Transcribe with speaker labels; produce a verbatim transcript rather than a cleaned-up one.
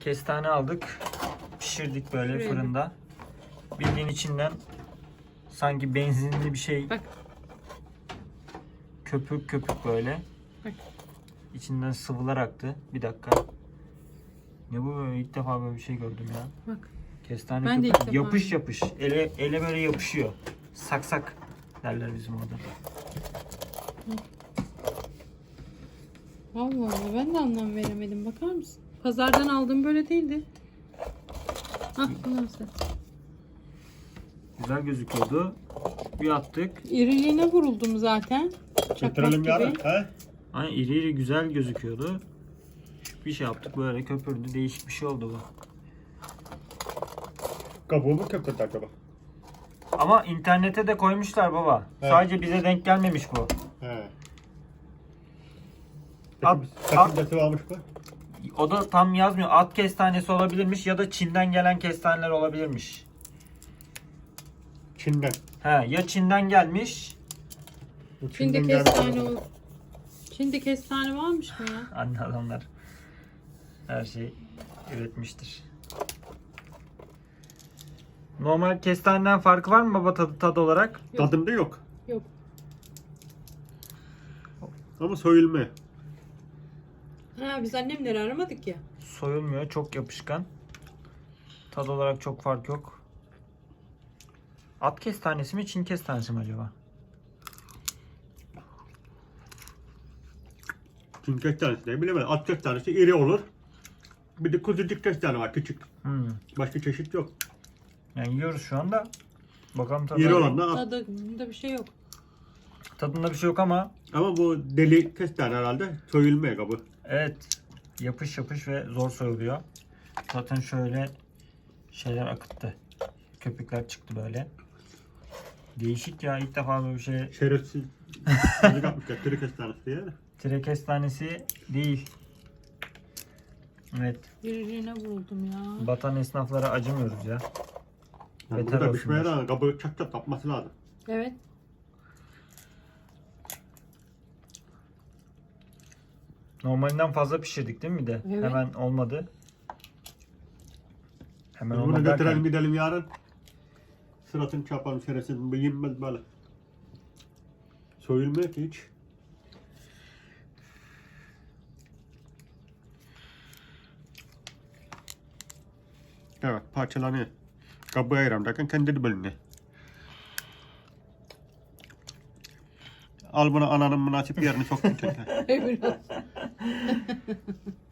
Speaker 1: Kestane aldık. Pişirdik böyle
Speaker 2: Şuraya
Speaker 1: fırında. Bildiğin içinden sanki benzinli bir şey.
Speaker 2: Bak.
Speaker 1: Köpük köpük böyle.
Speaker 2: Bak.
Speaker 1: İçinden sıvılar aktı. Bir dakika. Ne bu böyle? İlk defa böyle bir şey gördüm ya.
Speaker 2: Bak.
Speaker 1: Kestane
Speaker 2: Ben de
Speaker 1: köpük
Speaker 2: ilk defa
Speaker 1: yapış yapış. Ele, ele böyle yapışıyor. Saksak derler bizim orada.
Speaker 2: Allah Allah, ben de anlam veremedim. Bakar mısın? Pazardan aldığım böyle değildi. Hah, bu nasıl?
Speaker 1: Güzel gözüküyordu. Bir attık.
Speaker 2: İriliğine vuruldum zaten. Çakmak
Speaker 3: Götürelim
Speaker 2: gibi.
Speaker 3: yarın. He?
Speaker 1: Hani iri iri güzel gözüküyordu. Bir şey yaptık böyle köpürdü. Değişik bir şey oldu bu.
Speaker 3: Kabuğu mu köpürdü acaba?
Speaker 1: Ama internete de koymuşlar baba.
Speaker 3: Evet.
Speaker 1: Sadece bize denk gelmemiş bu.
Speaker 3: He.
Speaker 1: At-
Speaker 3: Peki
Speaker 1: at-
Speaker 3: sakıncası varmış mı?
Speaker 1: O da tam yazmıyor. At kestanesi olabilirmiş ya da Çin'den gelen kestaneler olabilirmiş.
Speaker 3: Çin'den.
Speaker 1: He, ya Çin'den gelmiş.
Speaker 3: Bu
Speaker 2: Çin'de
Speaker 3: Çin'den gelmiş
Speaker 2: kestane
Speaker 3: olabilir.
Speaker 2: ol. Çin'de kestane varmış mı ya?
Speaker 1: Anne adamlar her şey üretmiştir. Normal kestaneden farkı var mı baba tadı, tadı olarak?
Speaker 2: Yok.
Speaker 3: Tadında yok.
Speaker 2: Yok.
Speaker 3: Ama soyulma.
Speaker 2: Ha, biz annemleri aramadık ya.
Speaker 1: Soyulmuyor, çok yapışkan. Tad olarak çok fark yok. At kestanesi mi, Çin kestanesi mi acaba?
Speaker 3: Çin kestanesi ne bilemedim. At kestanesi iri olur. Bir de kuzucuk kestane var küçük.
Speaker 1: Hmm.
Speaker 3: Başka çeşit yok.
Speaker 1: Yani yiyoruz şu anda. Bakalım tadı.
Speaker 3: İri olan da at.
Speaker 2: Tadında bir şey yok.
Speaker 1: Tadında bir şey yok ama
Speaker 3: Ama bu deli kestane herhalde soyulmaya kabı.
Speaker 1: evet, yapış yapış ve zor soyuluyor. Zaten şöyle şeyler akıttı. Köpükler çıktı böyle. Değişik ya, ilk defa böyle bir şey.
Speaker 3: Şerefsiz. Kazık atmışlar. Tırı kestanesi diye.
Speaker 1: Tire kestanesi değil. Evet,
Speaker 2: İriliğine vuruldum ya.
Speaker 1: batan esnaflara acımıyoruz ya.
Speaker 3: Yani
Speaker 1: Beter
Speaker 3: burada pişmeye
Speaker 1: olsunlar.
Speaker 3: rağmen kabı çat çat kapması lazım.
Speaker 2: Evet.
Speaker 1: Normalinden fazla pişirdik değil mi bir de?
Speaker 2: Evet.
Speaker 1: Hemen olmadı. Hemen
Speaker 3: Biz bunu
Speaker 1: olmadı
Speaker 3: götürelim
Speaker 1: derken,
Speaker 3: gidelim yarın. Sıratını çarpalım şerefsiz. Bu yenmez böyle. Soyulmuyor ki hiç. Evet parçalanıyor. Kabı ayıram derken kendi de bölünüyor. Al bunu ananın münasip yerine soktun kendine.
Speaker 2: Öyle olsun.